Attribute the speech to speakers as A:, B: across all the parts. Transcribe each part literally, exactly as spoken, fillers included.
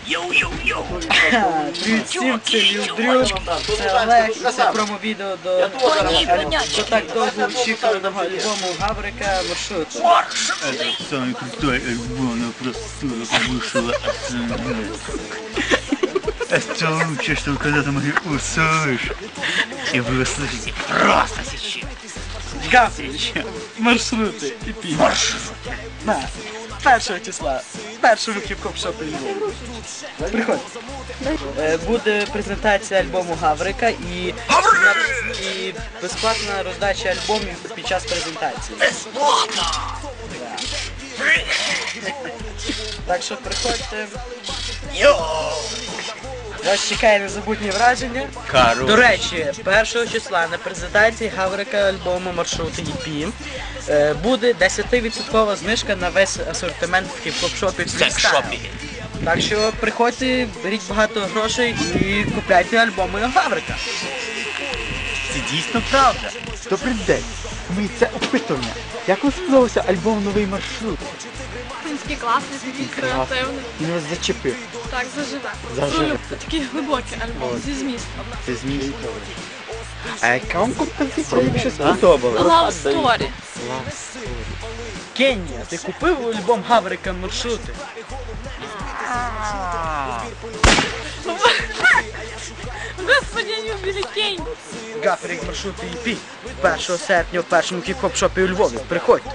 A: Йоу-йоу-йоу!
B: Привіт всім, це Лілдрюк, це Олег, і це промо-відео до до так довго очікуваного альбому Гаврика «Маршрути».
C: Это самый крутой альбом, но просто вышел это лучшее, что вы когда-то могли услышать. И вы услышите просто сейчас.
B: Гаврич, маршрути і пі.
C: Маршрути.
B: На, першого числа, першому хіп-хоп-шопі Львову. Приходь. Е, Буде презентація альбому Гаврика і, і безплатна роздача альбомів під час презентації.
A: Безплатно!
B: Так що приходьте.
A: Йоу!
B: Вас чекає незабутні враження.
C: Короче.
B: До речі, першого числа на презентації Гаврика альбому «Маршрути» і пі е, буде десятивідсоткова знижка на весь асортимент в хіп-хоп-шопі «Фрістайл». Так що приходьте, беріть багато грошей і купляйте альбоми Гаврика.
C: Це дійсно правда.
D: Добрий день. Ми це опитування. Як вам сподобався альбом «Новий маршрут»?
E: Він такий класний, такий креативний.
D: Він вас зачепив.
E: Так, заживе.
D: Заживе.
E: Пролюб. Такий глибокий альбом зі змістом.
D: Це зміст. А яка вам композиція більше сподобалась?
E: Love Story.
B: Кенні, ти купив альбом Гаврика «Маршрути»?
E: Господи, я не убили Кень.
B: Гаврик «Маршрути» і пі першого серпня в першому хіп-хоп-шопі у Львові. Приходьте.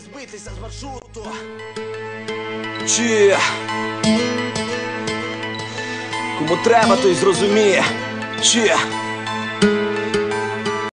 F: Чи кому треба, той зрозуміє. Чи